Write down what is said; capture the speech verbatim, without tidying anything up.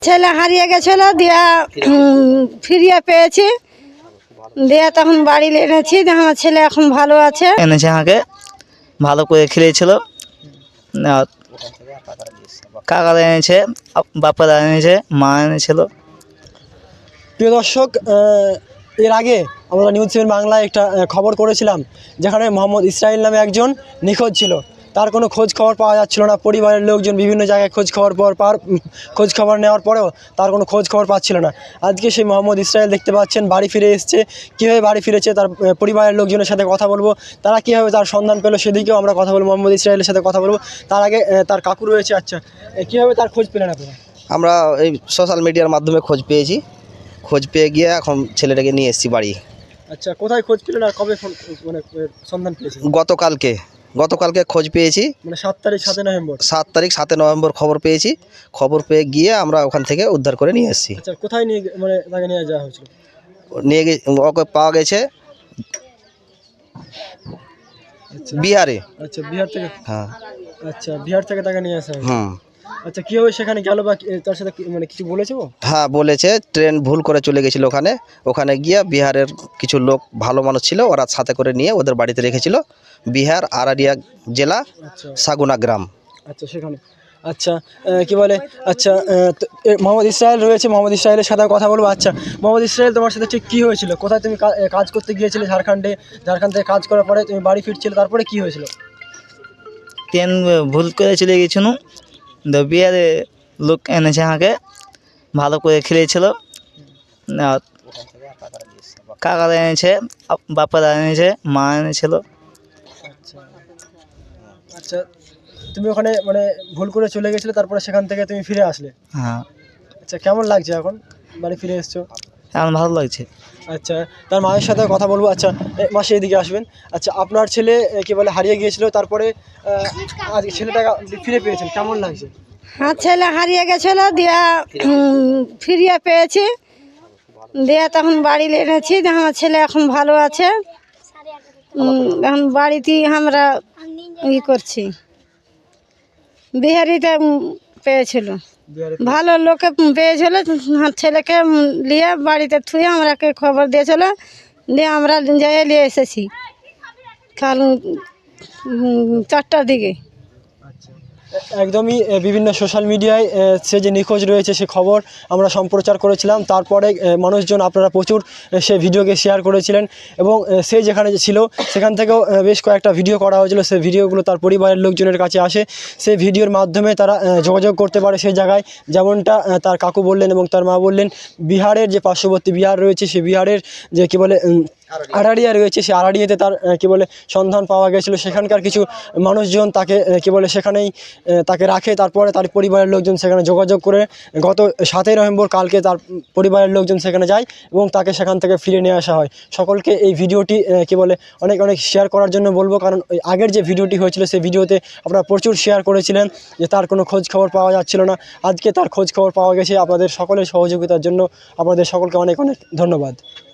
ছেলে হারিয়ে গেছিল, দিয়া ফিরিয়ে পেয়েছি, দিয়া তখন বাড়ি এনেছি। আমার ছেলে এখন ভালো আছে। এনেছে আমাকে ভালো করে খেলেছিল, কাকারা এনেছে, বাপারা এনেছে, মা এনেছিল। প্রিয় দর্শক, এর আগে আমরা নিউজ সেভেন বাংলায় একটা খবর করেছিলাম যেখানে মোহাম্মদ ইসরাইল নামে একজন নিখোঁজ ছিল। তার কোনো খোঁজ খবর পাওয়া যাচ্ছিল না। পরিবারের লোকজন বিভিন্ন জায়গায় খোঁজ খবর পর পার খোঁজ খবর নেওয়ার পরেও তার কোনো খোঁজ খবর পাচ্ছিল না। আজকে সেই মোহাম্মদ ইসরাইল দেখতে পাচ্ছেন বাড়ি ফিরে এসছে। কীভাবে বাড়ি ফিরেছে তার পরিবারের লোকজনের সাথে কথা বলবো, তারা কীভাবে তার সন্ধান পেলো সেদিকেও আমরা কথা বলবো। মোহাম্মদ ইসরাইলের সাথে কথা বলবো। তার আগে তার কাকু রয়েছে। আচ্ছা, কীভাবে তার খোঁজ পেলেন আপনারা? আমরা এই সোশ্যাল মিডিয়ার মাধ্যমে খোঁজ পেয়েছি। খোঁজ পেয়ে গিয়ে এখন ছেলেটাকে নিয়ে এসেছি বাড়ি। আচ্ছা, কোথায় খোঁজ পেলেন আর কবে মানে সন্ধান পেয়েছেন? গতকালকে গতকালকে খোঁজ পেয়েছি, মানে সাত তারিখ সাতই নভেম্বর সাত তারিখ সাতই নভেম্বর খবর পেয়েছি। খবর পেয়ে গিয়ে আমরা ওখান থেকে উদ্ধার করে নিয়ে এসেছি। আচ্ছা, কোথায় নিয়ে মানে তাকে নিয়ে যাওয়া হয়েছিল? নিয়ে গিয়ে ওকে পাওয়া গেছে বিহারে। আচ্ছা, বিহার থেকে? হ্যাঁ। আচ্ছা, বিহার থেকে তাকে নিয়ে আসা হয়েছে। হুম। আচ্ছা, কীভাবে সেখানে গেল বা তার সাথে মানে কিছু বলেছে ও? হ্যাঁ বলেছে, ট্রেন ভুল করে চলে গেছিলো ওখানে। ওখানে গিয়ে বিহারের কিছু লোক ভালো মানুষ ছিল, ওরা সাথে করে নিয়ে ওদের বাড়িতে রেখেছিল। বিহার আরারিয়া জেলা সাগুনা গ্রাম। আচ্ছা, সেখানে। আচ্ছা, কি বলে, আচ্ছা মোহাম্মদ ইসরাইল রয়েছে, মোহাম্মদ ইসরাইলের সাথে কথা বলবো। আচ্ছা মোহাম্মদ ইসরাইল, তোমার সাথে ঠিক কী হয়েছিল? কোথায় তুমি কাজ করতে গিয়েছিলে ঝাড়খণ্ডে? ঝাড়খণ্ড থেকে কাজ করার পরে তুমি বাড়ি ফিরছিলে, তারপরে কী হয়েছিল? ট্রেন ভুল করে চলে গেছিল, বিহারে লোক এনেছে আমাকে ভালো করে খেলেছিল, কাকারা এনেছে, বাপারা এনেছে, মা এনেছিল। আচ্ছা আচ্ছা, তুমি ওখানে মানে ভুল করে চলে গেছিলে, তারপরে সেখান থেকে তুমি ফিরে আসলে? হ্যাঁ। আচ্ছা, কেমন লাগছে এখন বাড়ি ফিরে এসছো? এখন ভালো লাগছে। আচ্ছা, তার মায়ের সাথে কথা বলবো। আচ্ছা মাসে এদিকে আসবেন। আচ্ছা, আপনার ছেলে কি বলে হারিয়ে গিয়েছিল, তারপরে আজ ছেলেটাকে ফিরে পেয়েছেন, কেমন লাগছে? হ্যাঁ, ছেলে হারিয়ে গেছিল, দিয়া ফিরিয়ে পেয়েছি, দিয়া তখন বাড়ি এনেছি। আমার ছেলে এখন ভালো আছে। এখন বাড়িতেই আমরা ই করছি। বিহারিতে পেয়েছিল, ভালো লোকে পেয়েছিল, ছেলেকে নিয়ে বাড়িতে থুয়ে আমরাকে খবর দিয়েছিল, দিয়ে আমরা যেয়ে নিয়ে এসেছি কাল চারটার দিকে। একদমই বিভিন্ন সোশ্যাল মিডিয়ায় সে যে নিখোঁজ রয়েছে সে খবর আমরা সম্প্রচার করেছিলাম। তারপরে মানুষজন, আপনারা প্রচুর সে ভিডিওকে শেয়ার করেছিলেন এবং সে যেখানে ছিল সেখান থেকেও বেশ কয়েকটা ভিডিও করা হয়েছিল। সেই ভিডিওগুলো তার পরিবারের লোকজনের কাছে আসে। সেই ভিডিওর মাধ্যমে তারা যোগাযোগ করতে পারে সেই জায়গায়, যেমনটা তার কাকু বললেন এবং তার মা বললেন। বিহারের যে পার্শ্ববর্তী বিহার রয়েছে, সে বিহারের যে কী বলে আরারিয়া রয়েছে, সে আরারিয়াতে তার কী বলে সন্ধান পাওয়া গেছিলো। সেখানকার কিছু মানুষজন তাকে কী বলে সেখানেই তাকে রাখে। তারপরে তার পরিবারের লোকজন সেখানে যোগাযোগ করে গত সাতই নভেম্বর কালকে তার পরিবারের লোকজন সেখানে যায় এবং তাকে সেখান থেকে ফিরে নিয়ে আসা হয়। সকলকে এই ভিডিওটি কী বলে অনেক অনেক শেয়ার করার জন্য বলবো, কারণ ওই আগের যে ভিডিওটি হয়েছিল সেই ভিডিওতে আপনারা প্রচুর শেয়ার করেছিলেন যে তার কোনো খোঁজ খবর পাওয়া যাচ্ছিল না। আজকে তার খোঁজ খবর পাওয়া গেছে। আপনাদের সকলের সহযোগিতার জন্য আপনাদের সকলকে অনেক অনেক ধন্যবাদ।